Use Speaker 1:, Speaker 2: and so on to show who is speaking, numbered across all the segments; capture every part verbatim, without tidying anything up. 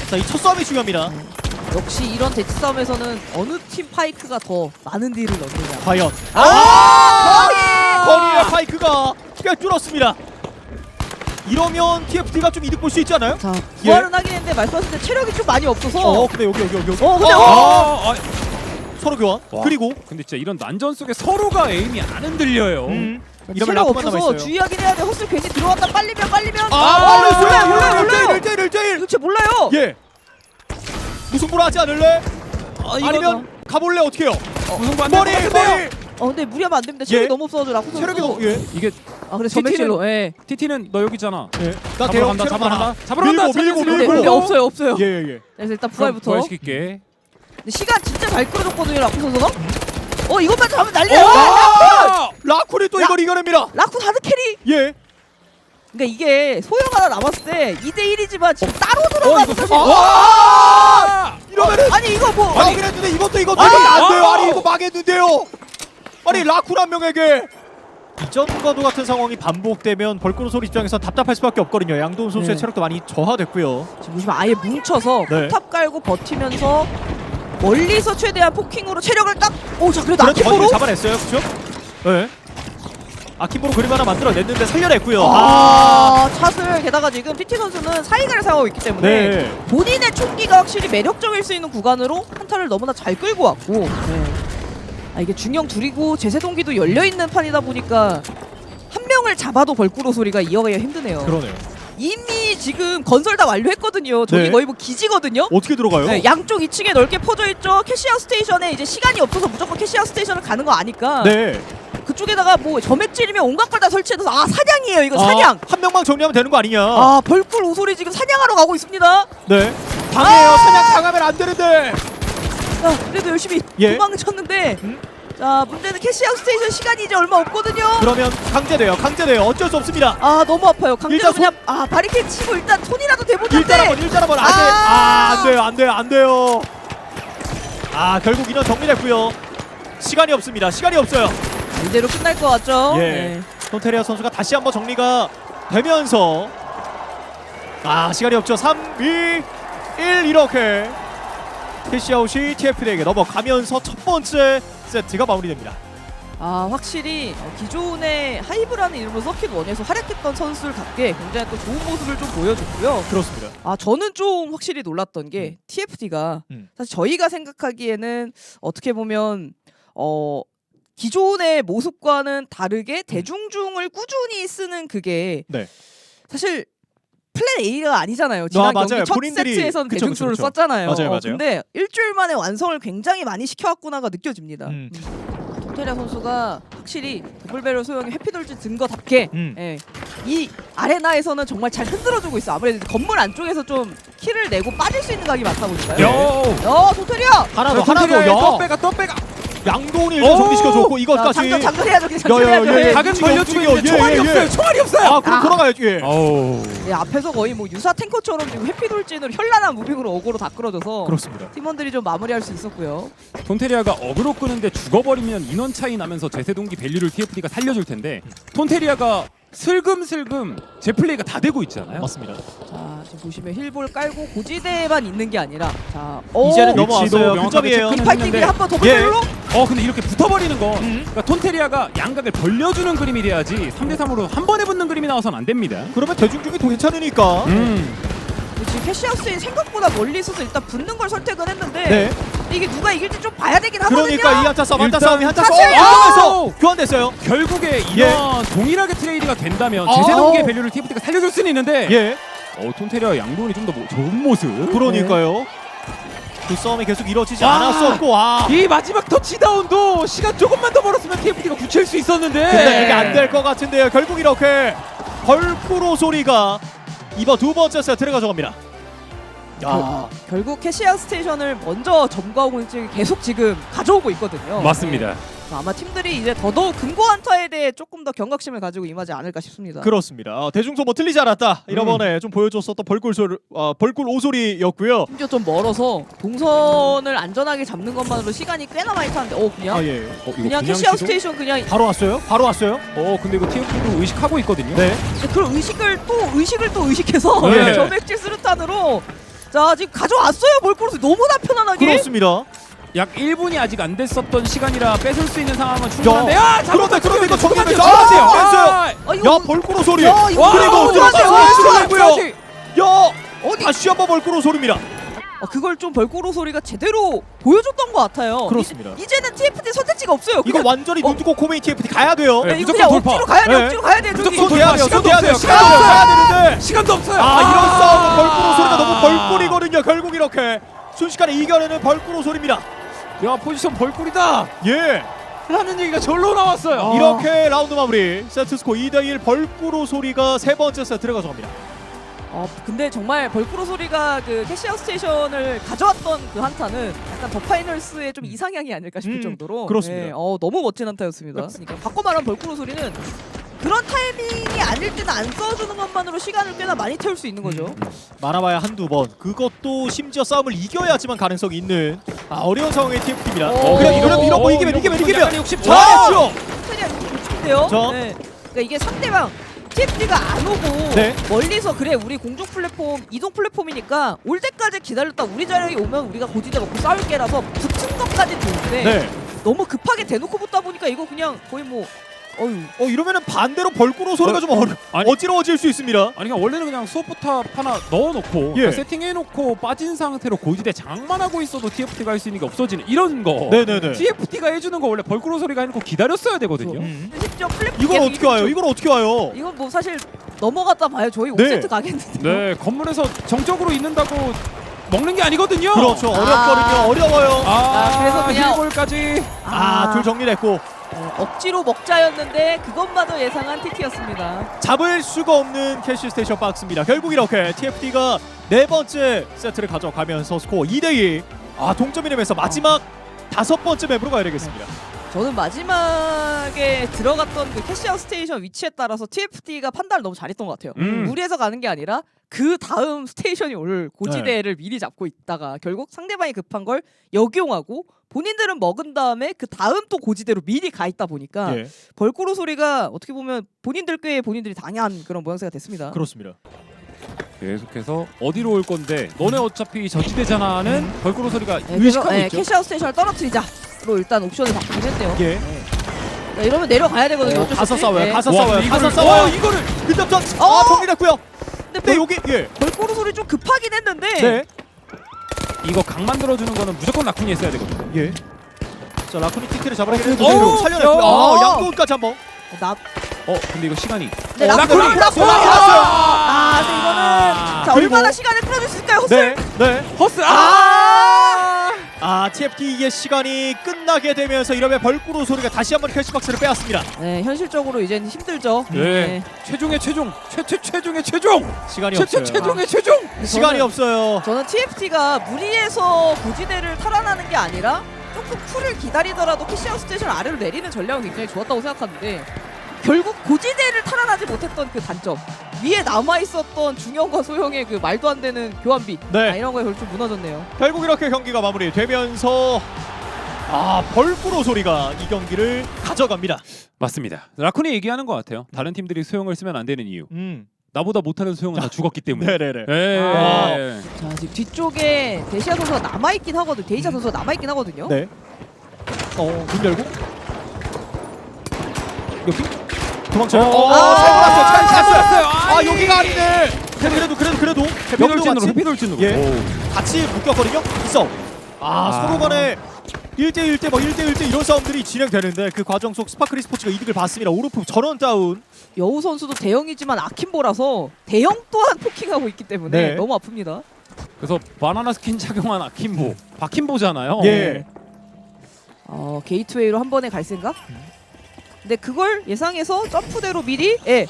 Speaker 1: 자, 이 첫 싸움이 중요합니다.
Speaker 2: 역시 이런 대치 싸움에서는 어느 팀 파이크가 더 많은 딜을 넣느냐.
Speaker 1: 과연.
Speaker 2: 아!
Speaker 1: 거리의 파이크가 꽤 뚫었습니다. 이러면 티에프티가 좀 이득 볼 수 있지 않아요?
Speaker 2: 자, 부활은 하긴 했는데 말씀하신 때 체력이 좀 많이 없어서.
Speaker 1: 어, 근데 여기 여기 여기 여기.
Speaker 2: 어, 근데
Speaker 1: 아,
Speaker 3: 아, 아,
Speaker 1: 서로 교환.
Speaker 3: 와.
Speaker 1: 그리고
Speaker 3: 근데 진짜 이런 난전 속에 서로가 에임이 안 흔들려요.
Speaker 1: 음. 이러면
Speaker 2: 체력
Speaker 1: 라쿠만
Speaker 2: 없어서
Speaker 1: 남아있어요.
Speaker 2: 주의하긴 해야 돼. 헛슬 괜히 들어왔다 빨리면 빨리면.
Speaker 1: 아,
Speaker 2: 몰라요, 몰라요, 몰라요, 몰라요.
Speaker 1: 일 대 일, 일 대 일.
Speaker 2: 도대체 몰라요.
Speaker 1: 예. 무승부로 하지 않을래?
Speaker 2: 아, 이거는-
Speaker 1: 아니면 가볼래 어떻게 해요?
Speaker 3: 무승부 안
Speaker 1: 머리
Speaker 3: 될 것
Speaker 1: 머리.
Speaker 3: 같은데요?
Speaker 2: 어 근데 무리하면 안 됩니다. 체력이
Speaker 1: 예.
Speaker 2: 너무 없어가지고 라쿠 선수.
Speaker 1: 체력이 너무 예.
Speaker 3: 이게
Speaker 2: 아 그래 점액질로. 예.
Speaker 3: 티티는 너 여기 있잖아.
Speaker 1: 예. 나
Speaker 3: 잡으러
Speaker 1: 대형
Speaker 3: 간다,
Speaker 1: 체력
Speaker 3: 잡으러
Speaker 1: 많아.
Speaker 3: 간다. 잡으러
Speaker 1: 밀고
Speaker 3: 간다.
Speaker 1: 밀고
Speaker 3: 잡으러
Speaker 2: 근데,
Speaker 1: 밀고.
Speaker 2: 근데 없어요 없어요.
Speaker 1: 예, 예, 예.
Speaker 2: 그래서 일단
Speaker 3: 부활부터
Speaker 2: 부활부터.
Speaker 3: 시킬게.
Speaker 2: 근데 시간 진짜 잘 끌어줬거든요 라쿠 선수가. 어 이것만 잡으면 난리야.
Speaker 3: 아!
Speaker 1: 라쿠리 또
Speaker 2: 라-
Speaker 1: 이걸 이겨냅니다.
Speaker 2: 라쿠 다드 캐리.
Speaker 1: 예.
Speaker 2: 그러니까 이게 소형 하나 남았을 때 이 대 일이지만 지금 따로
Speaker 3: 어
Speaker 2: 들어가서
Speaker 3: 이거
Speaker 2: 사실.
Speaker 3: 사실.
Speaker 1: 와!
Speaker 3: 와!
Speaker 1: 이러면은
Speaker 2: 아니 이거 뭐.
Speaker 1: 아니 그랬는데 이것도 이것도
Speaker 2: 아!
Speaker 1: 이것도 안 돼요.
Speaker 3: 아!
Speaker 1: 아니 이거 망했는데요. 아니 라쿠 한 명에게 이전과도 같은 상황이 반복되면 벌꾸로 소리 입장에서 답답할 수밖에 없거든요. 양도훈 선수의
Speaker 2: 네.
Speaker 1: 체력도 많이 저하됐고요.
Speaker 2: 지금 보시면 아예 뭉쳐서
Speaker 1: 네.
Speaker 2: 포탑 깔고 버티면서 멀리서 최대한 포킹으로 체력을 딱. 오자 그래도
Speaker 1: 그래도
Speaker 2: 아키보로.
Speaker 1: 거기를 잡아냈어요, 그렇죠? 네. 아키보로 그림 하나 만들어냈는데 살려냈고요.
Speaker 2: 아 샷을 게다가 지금 티티 선수는 사이가를 사용하고 있기 때문에
Speaker 1: 네.
Speaker 2: 본인의 총기가 확실히 매력적일 수 있는 구간으로 한타를 너무나 잘 끌고 왔고. 네. 아 이게 중형 둘이고 제세동기도 열려 있는 판이다 보니까 한 명을 잡아도 벌꾸로 소리가 이어가기가 힘드네요.
Speaker 1: 그러네요.
Speaker 2: 이미 지금 건설 다 완료했거든요. 저기
Speaker 1: 네.
Speaker 2: 거의 뭐 기지거든요.
Speaker 1: 어떻게 들어가요?
Speaker 2: 네, 양쪽 이 층에 넓게 퍼져 있죠. 캐시아웃 스테이션에 이제 시간이 없어서 무조건 캐시아웃 스테이션을 가는 거 아니까.
Speaker 1: 네.
Speaker 2: 그쪽에다가 뭐 점액질이면 온갖 걸 다 설치해서 아 사냥이에요. 이거 사냥.
Speaker 1: 아, 한 명만 정리하면 되는 거 아니냐?
Speaker 2: 아 벌꿀 오소리 지금 사냥하러 가고 있습니다.
Speaker 1: 네. 당해요.
Speaker 2: 아!
Speaker 1: 사냥 당하면 안 되는데.
Speaker 2: 자 그래도 열심히
Speaker 1: 예.
Speaker 2: 도망을 쳤는데.
Speaker 1: 음?
Speaker 2: 자 문제는 캐시아웃 스테이션 시간이 이제 얼마 없거든요.
Speaker 1: 그러면 강제돼요. 강제돼요. 어쩔 수 없습니다.
Speaker 2: 아 너무 아파요. 강제로
Speaker 1: 일단
Speaker 2: 그냥 아 바리케이드 치고 일단 손이라도 대보는데.
Speaker 1: 일단 한번 일단 한번 안 돼.
Speaker 2: 아!
Speaker 1: 아, 안 돼요. 안 돼요. 안 돼요. 아, 결국 인원 정리됐고요. 시간이 없습니다. 시간이 없어요.
Speaker 2: 이대로 끝날 것 같죠?
Speaker 1: 예.
Speaker 2: 네.
Speaker 1: 손테리아 선수가 다시 한번 정리가 되면서 아, 시간이 없죠. 삼, 이, 일 이렇게 캐시아웃이 티에프디에게 넘어가면서 첫 번째 세트가 마무리됩니다.
Speaker 2: 아 확실히 어, 기존의 하이브라는 이름으로 서킷 원에서 활약했던 선수들답게 굉장히 또 좋은 모습을 좀 보여줬고요.
Speaker 1: 그렇습니다.
Speaker 2: 아 저는 좀 확실히 놀랐던 게 티에프디가
Speaker 1: 음.
Speaker 2: 사실 저희가 생각하기에는 어떻게 보면 어 기존의 모습과는 다르게 대중중을 꾸준히 쓰는 그게
Speaker 1: 네.
Speaker 2: 사실 플랜 A가 아니잖아요. 지난
Speaker 1: 맞아요.
Speaker 2: 경기 첫
Speaker 1: 본인들이-
Speaker 2: 세트에서는
Speaker 1: 그쵸,
Speaker 2: 대중중을
Speaker 1: 그쵸, 그쵸.
Speaker 2: 썼잖아요.
Speaker 1: 맞아요,
Speaker 2: 어,
Speaker 1: 맞아요.
Speaker 2: 근데 일주일 만에 완성을 굉장히 많이 시켜왔구나가 느껴집니다.
Speaker 1: 음.
Speaker 2: 도테리아 선수가 확실히 더블배럴 소형의 해피돌진 든 거답게
Speaker 1: 음.
Speaker 2: 예, 이 아레나에서는 정말 잘 흔들어주고 있어. 아무래도 건물 안쪽에서 좀 키를 내고 빠질 수 있는 각이 많다 보니까요.
Speaker 3: 요.
Speaker 2: 야 도테리아!
Speaker 1: 하나 더, 하나 더.
Speaker 3: 또
Speaker 1: 야.
Speaker 3: 빼가 또 빼가.
Speaker 1: 양동이 일단
Speaker 3: 오!
Speaker 1: 정리시켜줬고
Speaker 2: 자,
Speaker 1: 이것까지.
Speaker 2: 장전 장전해야죠. 그냥
Speaker 1: 야, 야,
Speaker 2: 장전해야죠.
Speaker 1: 야, 야,
Speaker 2: 예.
Speaker 3: 각은
Speaker 1: 움직여,
Speaker 3: 벌려주고
Speaker 1: 움직여.
Speaker 3: 있는데
Speaker 1: 예,
Speaker 3: 총알이
Speaker 1: 예,
Speaker 3: 없어요.
Speaker 1: 예.
Speaker 3: 총알이 없어요.
Speaker 1: 아, 그럼
Speaker 2: 아.
Speaker 1: 돌아가야지. 예.
Speaker 3: 어우.
Speaker 2: 예, 앞에서 거의 뭐 유사 탱커처럼 지금 해피돌진으로 현란한 무빙으로 어그로 다 끌어줘서
Speaker 1: 그렇습니다.
Speaker 2: 팀원들이 좀 마무리할 수 있었고요.
Speaker 3: 톤테리아가 어그로 끄는데 죽어버리면 인원 차이 나면서 제세동기 밸류를 티에프디가 살려줄 텐데 톤테리아가 슬금슬금 제 플레이가 다 되고 있잖아요.
Speaker 1: 맞습니다.
Speaker 2: 자 지금 보시면 힐볼 깔고 고지대에만 있는 게 아니라 자 오!
Speaker 1: 이제는
Speaker 3: 위치도
Speaker 1: 넘어왔어요.
Speaker 3: 명확하게
Speaker 1: 근접이에요.
Speaker 3: 체크는
Speaker 2: 인파이팅이
Speaker 3: 했는데
Speaker 2: 한번 더블배럴로?
Speaker 3: 어 근데 이렇게 붙어버리는 거
Speaker 1: 음.
Speaker 3: 그러니까 톤테리아가 양각을 벌려주는 그림이 돼야지 삼 대 삼으로 한 번에 붙는 그림이 나와서는 안 됩니다.
Speaker 1: 그러면 대중중이 더 괜찮으니까.
Speaker 3: 음.
Speaker 2: 지금 캐시아우스인 생각보다 멀리 있어서 일단 붙는 걸 선택은 했는데
Speaker 1: 네.
Speaker 2: 이게 누가 이길지 좀 봐야 되긴 하거든요.
Speaker 1: 그러니까 이 한타 싸움, 한타
Speaker 3: 일단
Speaker 1: 싸움이 한타
Speaker 2: 사실-
Speaker 1: 싸움. 이러면서
Speaker 3: 아우!
Speaker 1: 교환됐어요.
Speaker 3: 결국에 인원 동일하게 트레이드가 된다면
Speaker 1: 아.
Speaker 3: 제세동기의 밸류를 티에프디가 살려줄 수는 있는데
Speaker 1: 예.
Speaker 3: 어 톤테리아 양동이 좀 더 좋은 모습.
Speaker 1: 그러니까요. 그 싸움이 계속 이루어지지
Speaker 3: 아.
Speaker 1: 않았었고, 아.
Speaker 3: 이 마지막 터치다운도 시간 조금만 더 벌었으면 티에프디가 굳힐 수 있었는데.
Speaker 1: 근데 이게 안 될 것 같은데요. 결국 이렇게 벌프로 소리가 이번 두 번째 세트를 가져갑니다. 야.
Speaker 2: 결국 캐시아 스테이션을 먼저 점거하고 있는 계속 지금 가져오고 있거든요.
Speaker 3: 맞습니다.
Speaker 2: 네. 아마 팀들이 이제 더더욱 금고 한타에 대해 조금 더 경각심을 가지고 임하지 않을까 싶습니다.
Speaker 1: 그렇습니다. 어, 대중소 뭐 틀리지 않았다. 이번에 좀 보여줬었던 벌꿀 소리, 어, 벌꿀 오소리였고요.
Speaker 2: 심지어 좀 멀어서 동선을 안전하게 잡는 것만으로 시간이 꽤나 많이 타는데 어 그냥
Speaker 1: 아 예.
Speaker 3: 어, 이거
Speaker 2: 그냥 캐시아
Speaker 3: 시도?
Speaker 2: 스테이션 그냥
Speaker 1: 바로 왔어요? 바로 왔어요?
Speaker 3: 어 근데 이거 티에프디도 의식하고 있거든요.
Speaker 1: 네.
Speaker 2: 그런 의식을 또 의식을 또 의식해서
Speaker 3: 네.
Speaker 2: 점액질 수류탄으로 자 지금 가져왔어요. 벌크로스 너무나 편안하게.
Speaker 1: 그렇습니다.
Speaker 3: 약 일 분이 아직 안 됐었던 시간이라 뺏을 수 있는 상황은 충분한데.
Speaker 1: 야,
Speaker 3: 야,
Speaker 1: 그런데 그런데 이거 정리되죠.
Speaker 3: 정리돼요.
Speaker 1: 아, 됐어요.
Speaker 2: 아, 이거
Speaker 1: 야 벌꾸로 소리.
Speaker 2: 야, 이거
Speaker 3: 와,
Speaker 1: 그리고
Speaker 2: 너무 좋았어요.
Speaker 1: 들어가서
Speaker 2: 와,
Speaker 1: 시도했고요. 야
Speaker 2: 어디?
Speaker 1: 다시 한번 벌꾸로 소리입니다.
Speaker 2: 어, 그걸 좀 벌꾸로 소리가 제대로 보여줬던 것 같아요.
Speaker 1: 그렇습니다.
Speaker 2: 이, 이제는 티에프티 선택지가 없어요.
Speaker 1: 이거
Speaker 2: 그냥,
Speaker 1: 완전히
Speaker 2: 어.
Speaker 1: 눈 뜨고 코메인 티에프티 가야 돼요.
Speaker 3: 네.
Speaker 2: 네, 이거
Speaker 3: 무조건
Speaker 2: 그냥
Speaker 3: 돌파.
Speaker 2: 억지로 가야 돼.
Speaker 1: 네.
Speaker 2: 억지로 가야 돼. 저기.
Speaker 3: 무조건
Speaker 1: 손 대야 돼요.
Speaker 3: 시간도
Speaker 1: 손 대야 돼요.
Speaker 3: 없어요.
Speaker 1: 시간도
Speaker 3: 시간도
Speaker 1: 가야 되는데.
Speaker 3: 시간도 없어요.
Speaker 1: 아 이런
Speaker 2: 아.
Speaker 1: 싸움은 벌꾸로 소리가 너무 벌꿀이거든요. 결국 이렇게 순식간에 이겨내는 벌꾸로 소리입니다.
Speaker 3: 야, 포지션 벌꿀이다.
Speaker 1: 예.
Speaker 3: 라는 얘기가 절로 나왔어요.
Speaker 2: 어.
Speaker 1: 이렇게 라운드 마무리. 세트 스코어 이 대 일 벌꾸로 소리가 세 번째 세트를 가져갑니다.
Speaker 2: 어 근데 정말 벌꾸로 소리가 그 캐시아웃 스테이션을 가져왔던 그 한타는 약간 더 파이널스의 좀 이상향이 아닐까 싶을
Speaker 1: 음,
Speaker 2: 정도로
Speaker 1: 그렇습니다.
Speaker 2: 네, 어 너무 멋진 한타였습니다. 그러니까 바꿔 말하면 벌꾸로 소리는 그런 타이밍이 아닐 때는 안 써주는 것만으로 시간을 꽤나 많이 태울 수 있는 거죠.
Speaker 1: 많아봐야 한두 번. 그것도 심지어 싸움을 이겨야지만 가능성이 있는 아, 어려운 상황의 티에프티입니다.
Speaker 2: 어,
Speaker 1: 그래
Speaker 2: 이거,
Speaker 1: 이거 이러고
Speaker 3: 어,
Speaker 1: 이기면
Speaker 3: 이거
Speaker 1: 이기면
Speaker 3: 약간
Speaker 1: 이기면
Speaker 3: 욕심.
Speaker 1: 잘했죠.
Speaker 2: 그냥 좋은데요.
Speaker 1: 저.
Speaker 2: 네. 그러니까 이게 상대방 티에프티가 안 오고
Speaker 1: 네.
Speaker 2: 멀리서 그래 우리 공중 플랫폼 이동 플랫폼이니까 올 때까지 기다렸다 우리 자리에 오면 우리가 고지대 먹고 싸울게라서 붙은 것까지 좋은데
Speaker 1: 네.
Speaker 2: 너무 급하게 대놓고 붙다 보니까 이거 그냥 거의 뭐 어휴
Speaker 1: 어 이러면은 반대로 벌꾸로 소리가
Speaker 3: 어,
Speaker 1: 좀 어려,
Speaker 3: 아니.
Speaker 1: 어지러워질 수 있습니다.
Speaker 3: 아니 그냥 원래는 그냥 수어포탑 하나 넣어놓고
Speaker 1: 예.
Speaker 3: 그러니까 세팅해놓고 빠진 상태로 고지대 장악만 하고 있어도 티에프티가 할 수 있는 게 없어지는 이런 거.
Speaker 1: 네네네.
Speaker 3: 티에프티가 해주는 거 원래 벌꾸로 소리가 해놓고 기다렸어야 되거든요.
Speaker 1: 음.
Speaker 2: 심지어 플랫폼
Speaker 1: 이걸
Speaker 2: 계속
Speaker 1: 어떻게 와요?
Speaker 2: 이동
Speaker 1: 이걸 어떻게 와요?
Speaker 2: 이건 뭐 사실 넘어갔다 봐요. 저희
Speaker 1: 네.
Speaker 2: 오 세트 가겠는데.
Speaker 3: 네, 건물에서 정적으로 있는다고 먹는 게 아니거든요.
Speaker 1: 그렇죠. 어렵거든요.
Speaker 2: 아.
Speaker 1: 어려워요.
Speaker 3: 아,
Speaker 2: 아, 그래서 그냥-
Speaker 3: 힐볼까지.
Speaker 1: 아, 둘 정리됐고
Speaker 2: 어, 억지로 먹자였는데 그것마저 예상한 티티였습니다.
Speaker 1: 잡을 수가 없는 캐시 스테이션 박스입니다. 결국 이렇게 티에프티가 네 번째 세트를 가져가면서 스코어 이 대 이. 아, 동점이 되면서 마지막 다섯 번째 맵으로 가야 되겠습니다.
Speaker 2: 저는 마지막에 들어갔던 그 캐시아웃 스테이션 위치에 따라서 티에프티가 판단을 너무 잘했던 것 같아요.
Speaker 3: 음.
Speaker 2: 무리해서 가는 게 아니라 그 다음 스테이션이 올 고지대를 미리 잡고 있다가 결국 상대방이 급한 걸 역용하고 본인들은 먹은 다음에 그 다음 또 고지대로 미리 가 있다 보니까
Speaker 1: 예.
Speaker 2: 벌꾸로 소리가 어떻게 보면 본인들 꽤 본인들이 당한 그런 모양새가 됐습니다.
Speaker 1: 그렇습니다.
Speaker 3: 계속해서 어디로 올 건데 너네 어차피 저지대잖아는 벌꾸로 소리가
Speaker 2: 네, 그래서
Speaker 3: 의식하고
Speaker 2: 네,
Speaker 3: 있죠.
Speaker 2: 캐시아웃 스테이션을 떨어뜨리자로 일단 옵션을 바꾸긴 했네요.
Speaker 1: 예.
Speaker 2: 네. 자, 이러면 내려가야 되거든요.
Speaker 1: 어,
Speaker 2: 어쩔 수
Speaker 1: 가서
Speaker 2: 없이.
Speaker 1: 싸워요.
Speaker 2: 네.
Speaker 1: 가서
Speaker 3: 와,
Speaker 1: 싸워요.
Speaker 3: 근데
Speaker 1: 가서
Speaker 3: 이거를-
Speaker 1: 싸워요.
Speaker 3: 와, 이거를
Speaker 1: 근접전.
Speaker 2: 어!
Speaker 1: 아, 정리됐고요.
Speaker 2: 근데
Speaker 1: 네,
Speaker 2: 벌,
Speaker 1: 여기 예.
Speaker 2: 벌꾸로 소리 좀 급하긴 했는데
Speaker 1: 네.
Speaker 3: 이거 각 만들어주는 거는 무조건 라쿤이 했어야 되거든요.
Speaker 1: 예. 자, 라쿠니 티티를 잡아내기
Speaker 3: 어,
Speaker 1: 위해서
Speaker 3: 어,
Speaker 1: 살려냈고요.
Speaker 2: 어.
Speaker 1: 아, 양도까지 한번.
Speaker 2: 나
Speaker 3: 어, 근데 이거 시간이.
Speaker 2: 네,
Speaker 1: 어,
Speaker 2: 라쿤이
Speaker 1: 라쿤이!
Speaker 2: 라쿤이
Speaker 1: 아!
Speaker 2: 나왔어요. 아, 근데 이거는 자
Speaker 1: 그리고-
Speaker 2: 얼마나 시간을 끌어줄 수 있을까요, 헛슬?
Speaker 1: 네. 네.
Speaker 3: 허스.
Speaker 2: 아!
Speaker 1: 아, 티에프티의 시간이 끝나게 되면서 이러면 벌꾸로 소리가 다시 한번 캐시박스를 빼앗습니다.
Speaker 2: 네, 현실적으로 이제는 힘들죠.
Speaker 3: 네. 최종의 최종. 최최 최종의 최종.
Speaker 1: 시간이
Speaker 3: 최최
Speaker 1: 없어요.
Speaker 3: 최종의 최종.
Speaker 1: 시간이
Speaker 2: 저는-
Speaker 1: 없어요.
Speaker 2: 저는 티에프티가 무리해서 고지대를 탈환하는 게 아니라 조금 풀을 기다리더라도 캐시아웃 스테이션 아래로 내리는 전략은 굉장히 좋았다고 생각하는데 결국 고지대를 탈환하지 못했던 그 단점 위에 남아있었던 중형과 소형의 그 말도 안 되는 교환비
Speaker 1: 네.
Speaker 2: 아, 이런 거에 좀 무너졌네요.
Speaker 1: 결국 이렇게 경기가 마무리되면서 아, 벌꾸로 소리가 이 경기를 가져갑니다.
Speaker 3: 맞습니다. 라쿤이 얘기하는 것 같아요. 다른 팀들이 소형을 쓰면 안 되는 이유.
Speaker 1: 음.
Speaker 3: 나보다 못하는 소형은 다 죽었기 때문에.
Speaker 1: 네네네.
Speaker 3: 예.
Speaker 2: 아. 자 지금 뒤쪽에 데시아 선수가 남아있긴 하거든. 데이샤 선수가 남아있긴 하거든요.
Speaker 1: 네. 어, 문 열고. 여기 도망쳐요.
Speaker 3: 어,
Speaker 1: 어,
Speaker 3: 아,
Speaker 1: 잘 몰았어요. 잘
Speaker 3: 잘
Speaker 1: 찼어요.
Speaker 3: 몰았어요.
Speaker 1: 아,
Speaker 3: 아이.
Speaker 1: 여기가 아니네. 그래도 그래도 그래도
Speaker 3: 해피돌진으로
Speaker 1: 같이,
Speaker 3: 해피돌진으로.
Speaker 1: 예.
Speaker 3: 오.
Speaker 1: 같이 묶였거든요. 있어. 아,
Speaker 3: 아.
Speaker 1: 서로 간에 일 대 일 대 뭐 일 대 일 대 이런 싸움들이 진행되는데 그 과정 속 스파크리 스포츠가 이득을 봤습니다. 오르프 전원 다운.
Speaker 2: 여우 선수도 대형이지만 아킴보라서 대형 또한 포킹하고 있기 때문에
Speaker 1: 네.
Speaker 2: 너무 아픕니다.
Speaker 3: 그래서 바나나 스킨 착용한 아킴보. 바킴보잖아요.
Speaker 1: 예.
Speaker 2: 어, 게이트웨이로 한 번에 갈 생각? 근데 그걸 예상해서 점프대로 미리 예.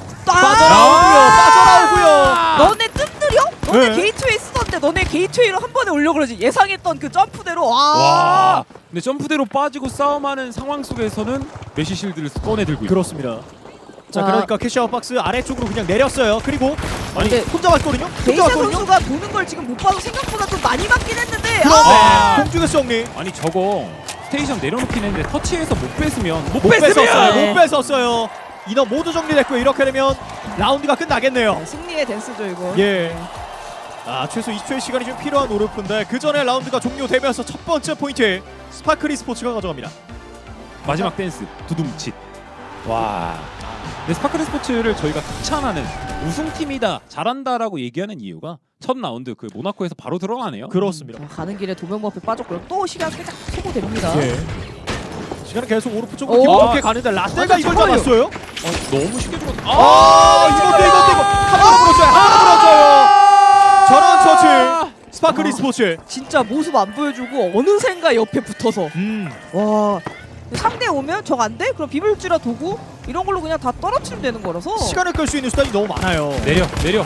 Speaker 1: 빠져나오고요. 빠져나오고요.
Speaker 2: 너네 뜸들여? 너네
Speaker 1: 네.
Speaker 2: 게이트웨이 쓰던데 너네 게이트웨이로 한 번에 올려 그러지. 예상했던 그 점프대로 와.
Speaker 3: 와. 근데 점프대로 빠지고 싸움하는 상황 속에서는 메시 실드를 꺼내 들고 있고.
Speaker 1: 그렇습니다. 자,
Speaker 2: 아.
Speaker 1: 그러니까 캐시아웃 박스 아래쪽으로 그냥 내렸어요. 그리고 아니
Speaker 2: 근데
Speaker 1: 혼자 왔거든요. 혼자
Speaker 2: 데이샤
Speaker 1: 왔거든요.
Speaker 2: 선수가 보는 걸 지금 못 봐서 생각보다 좀 많이 맞긴 했는데
Speaker 1: 그런데
Speaker 2: 아!
Speaker 1: 공중에서 정리.
Speaker 3: 아니 저거 스테이션 내려놓긴 했는데 터치해서 못 뺐으면 못,
Speaker 1: 못 뺐었어요.
Speaker 3: 뺐으면
Speaker 2: 네.
Speaker 1: 못 뺐었어요. 인원 모두 정리됐고요. 이렇게 되면 라운드가 끝나겠네요.
Speaker 2: 네, 승리의 댄스죠 이거.
Speaker 1: 예. 아 최소 이십 초의 시간이 좀 필요한 오르프인데 그 전에 라운드가 종료되면서 첫 번째 포인트 스파크리 스포츠가 가져갑니다.
Speaker 3: 마지막 댄스 두둠칫. 와. 근데 스파클 스포츠를 저희가 극찬하는 우승팀이다, 잘한다라고 얘기하는 이유가 첫 라운드 그 모나코에서 바로 드러나네요.
Speaker 1: 그렇습니다.
Speaker 2: 어, 가는 길에 도명부 앞에 빠졌고요. 또 시간 살짝 소모됩니다.
Speaker 1: 예. 시간은 계속 오르프 쪽으로
Speaker 2: 오.
Speaker 1: 깊게 가는데 라떼가
Speaker 2: 완전
Speaker 1: 이걸
Speaker 2: 잡아요.
Speaker 1: 잡았어요.
Speaker 3: 어, 너무 쉽게 죽었다.
Speaker 1: 아, 이것도 이것도 이거 하나 물었어요. 하나 물었어요. 전원 처치 스파크리
Speaker 2: 아.
Speaker 1: 스포츠.
Speaker 2: 진짜 모습 안 보여주고 어느샌가 옆에 붙어서
Speaker 1: 음.
Speaker 2: 와 상대 오면 적 안 돼? 그럼 비물질화 도구 이런 걸로 그냥 다 떨어뜨리면 되는 거라서
Speaker 1: 시간을 끌 수 있는 수단이 너무 많아요.
Speaker 3: 내려 내려.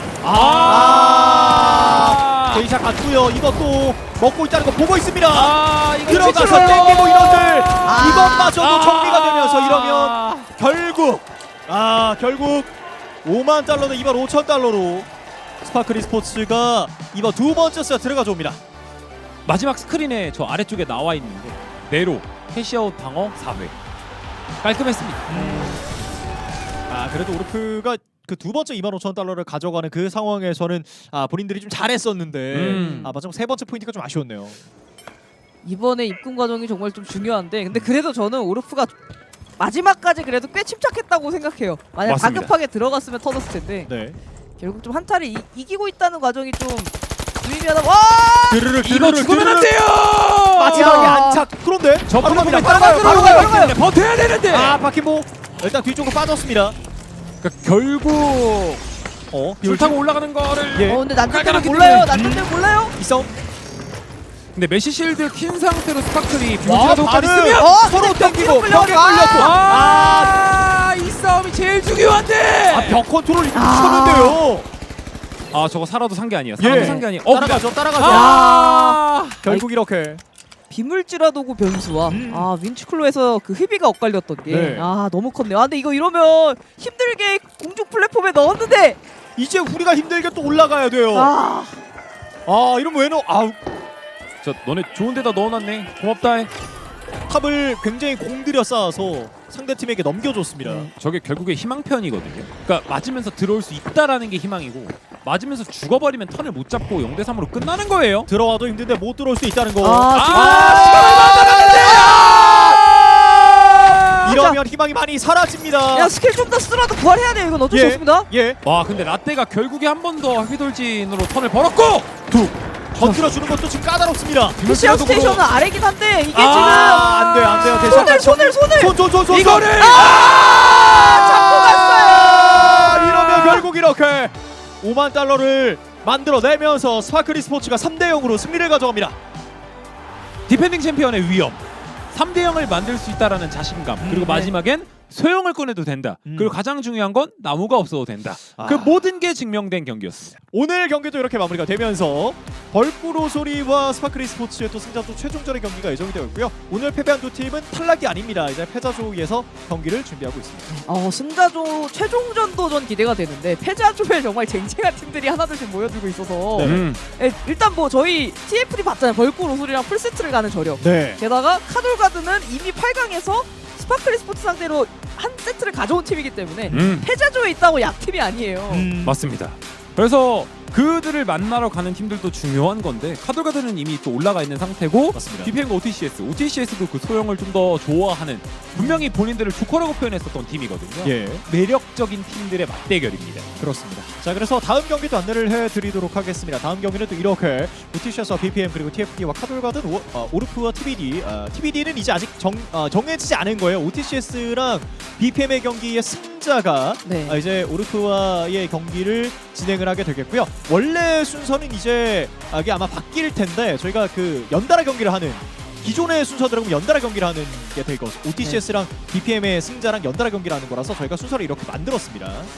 Speaker 1: 아. 데이샤 갔고요. 이것도 먹고 있다는 거 보고 있습니다.
Speaker 3: 아, 이거
Speaker 1: 들어가서
Speaker 3: 진짜로.
Speaker 1: 땡기고 이런들
Speaker 2: 아.
Speaker 1: 이것마저도
Speaker 3: 아.
Speaker 1: 정리가 되면서 이러면 결국 아 결국 오만 달러는 이만 오천 달러로 스파크리 스포츠가 이번 두 번째 세트를 가져옵니다.
Speaker 3: 마지막 스크린에 저 아래쪽에 나와 있는데 네로 캐시아웃 방어 사 회 깔끔했습니다.
Speaker 1: 아 그래도 오르프가 그 두 번째 이만 오천 달러를 가져가는 그 상황에서는 아 본인들이 좀 잘했었는데
Speaker 3: 음.
Speaker 1: 아 마지막 세 번째 포인트가 좀 아쉬웠네요.
Speaker 2: 이번에 입금 과정이 정말 좀 중요한데 근데 그래도 저는 오르프가 마지막까지 그래도 꽤 침착했다고 생각해요. 만약
Speaker 3: 맞습니다.
Speaker 2: 다급하게 들어갔으면 터졌을 텐데
Speaker 1: 네.
Speaker 2: 결국 좀 한타를 이, 이기고 있다는 과정이 좀 유의미하다. 와!
Speaker 1: 드르르
Speaker 3: 이거 죽으면 안 돼요.
Speaker 1: 마지막에
Speaker 2: 야.
Speaker 1: 안착. 그런데
Speaker 3: 저
Speaker 1: 바로
Speaker 3: 프로그램
Speaker 1: 갑니다.
Speaker 3: 따라가요.
Speaker 1: 바로
Speaker 3: 바로
Speaker 1: 가요.
Speaker 3: 가요. 버텨야 되는데.
Speaker 1: 아 바퀴모 일단 뒤쪽으로 빠졌습니다.
Speaker 3: 그러니까 결국
Speaker 1: 어
Speaker 3: 줄 타고 올라가는 거를
Speaker 1: 예.
Speaker 2: 어 근데 난전되면
Speaker 3: 깔끔하게
Speaker 2: 몰라요.
Speaker 3: 뚫네.
Speaker 2: 난전되면 몰라요.
Speaker 1: 이 싸움
Speaker 3: 근데 메시 실드 킨 상태로 스파클이
Speaker 1: 와,
Speaker 3: 뷰지라도까지
Speaker 1: 발을
Speaker 3: 쓰면
Speaker 2: 어,
Speaker 1: 서로
Speaker 2: 근데
Speaker 1: 땡기고
Speaker 2: 벽에
Speaker 1: 벽에
Speaker 2: 끌려가.
Speaker 1: 끌렸고
Speaker 3: 아, 이 싸움이 제일 중요한데.
Speaker 1: 아 벽 컨트롤 이거
Speaker 2: 아.
Speaker 1: 미쳤는데요.
Speaker 3: 아, 저거 살아도 산 게 아니야. 살아도
Speaker 1: 예.
Speaker 3: 산 게 아니야. 어,
Speaker 1: 따라가죠 따라가죠.
Speaker 3: 아,
Speaker 1: 결국 이렇게
Speaker 2: 비물질화 도구 변수와
Speaker 1: 음.
Speaker 2: 아 윈치클로에서 그 흡이가 엇갈렸던 게
Speaker 1: 네.
Speaker 2: 아 너무 컸네요. 아 근데 이거 이러면 힘들게 공중 플랫폼에 넣었는데
Speaker 1: 이제 우리가 힘들게 또 올라가야 돼요. 아,
Speaker 2: 아
Speaker 1: 이러면 왜 넣어? 아
Speaker 3: 저 너네 좋은 데다 넣어놨네. 고맙다. 해.
Speaker 1: 탑을 굉장히 공들여 쌓아서 상대 팀에게 넘겨줬습니다.
Speaker 2: 네.
Speaker 3: 저게 결국에 희망편이거든요. 그러니까 맞으면서 들어올 수 있다라는 게 희망이고 맞으면서 죽어버리면 턴을 못 잡고 영 대 삼으로 끝나는 거예요.
Speaker 1: 들어와도 힘든데 못 들어올 수 있다는 거.
Speaker 2: 아,
Speaker 3: 아, 시간을 만들었는데.
Speaker 1: 이러면 희망이 많이 사라집니다.
Speaker 2: 야 스킬 좀 더 쓰라도 부활해야 돼요. 이건 어쩔 수
Speaker 1: 예.
Speaker 2: 없습니다.
Speaker 1: 예,
Speaker 3: 와, 근데 라떼가 결국에 한 번 더 휘돌진으로 턴을 벌었고
Speaker 1: 두 건드려주는 것도 지금 까다롭습니다.
Speaker 2: 피시아 스테이션은 아래긴 한데 이게
Speaker 1: 아, 안 돼요, 안 돼요.
Speaker 2: 지금
Speaker 1: 대신
Speaker 2: 손을 손을 손을
Speaker 1: 손, 손, 손, 손,
Speaker 3: 이거를
Speaker 1: 손.
Speaker 2: 아, 잡고 갔어요.
Speaker 1: 이러면 결국 이렇게 오만 달러를 만들어내면서 스파크리 스포츠가 삼 대 영으로 승리를 가져갑니다.
Speaker 3: 디펜딩 챔피언의 위험, 삼 대 영을 만들 수 있다라는 자신감,
Speaker 1: 음,
Speaker 3: 그리고
Speaker 1: 네.
Speaker 3: 마지막엔 소형을 꺼내도 된다.
Speaker 1: 음.
Speaker 3: 그리고 가장 중요한 건 나무가 없어도 된다.
Speaker 1: 아.
Speaker 3: 그 모든 게 증명된 경기였습니다.
Speaker 1: 오늘 경기도 이렇게 마무리가 되면서 벌꾸로 소리와 스파크리 스포츠의 또 승자조 최종전의 경기가 예정이 되어 있고요. 오늘 패배한 두 팀은 탈락이 아닙니다. 이제 패자조에서 경기를 준비하고 있습니다.
Speaker 2: 어 승자조 최종전도 전 기대가 되는데 패자조에 정말 쟁쟁한 팀들이 하나둘씩 모여들고 있어서
Speaker 1: 네.
Speaker 3: 음.
Speaker 2: 에, 일단 뭐 저희 티에프디 봤잖아요. 벌꿀 오솔이랑 풀세트를 가는 저력.
Speaker 1: 네.
Speaker 2: 게다가 카돌가드는 이미 팔 강에서 스파클리 스포츠 상대로 한 세트를 가져온 팀이기 때문에
Speaker 3: 음.
Speaker 2: 패자조에 있다고 약팀이 아니에요.
Speaker 1: 음,
Speaker 3: 맞습니다. 그래서 그들을 만나러 가는 팀들도 중요한 건데 카돌가드는 이미 또 올라가 있는 상태고
Speaker 1: 맞습니다.
Speaker 3: 비피엠과 오티씨에스, 오티씨에스도 그 소형을 좀 더 좋아하는 분명히 본인들을 조커라고 표현했었던 팀이거든요.
Speaker 1: 예.
Speaker 3: 매력적인 팀들의 맞대결입니다.
Speaker 1: 그렇습니다. 자, 그래서 다음 경기도 안내를 해드리도록 하겠습니다. 다음 경기는 또 이렇게 오티씨에스와 비피엠 그리고 티에프디와 카돌가든 오, 어, 오르프와 티비디 어, 티비디는 이제 아직 정, 어, 정해지지 않은 거예요. 오티씨에스랑 비피엠의 경기의 승자가
Speaker 2: 네.
Speaker 1: 아, 이제 오르프와의 경기를 진행을 하게 되겠고요. 원래 순서는 이제 아, 이게 아마 바뀔 텐데 저희가 그 연달아 경기를 하는 기존의 순서대로 연달아 경기를 하는 게 될 것이고 오티씨에스랑 비피엠의 승자랑 연달아 경기를 하는 거라서 저희가 순서를 이렇게 만들었습니다.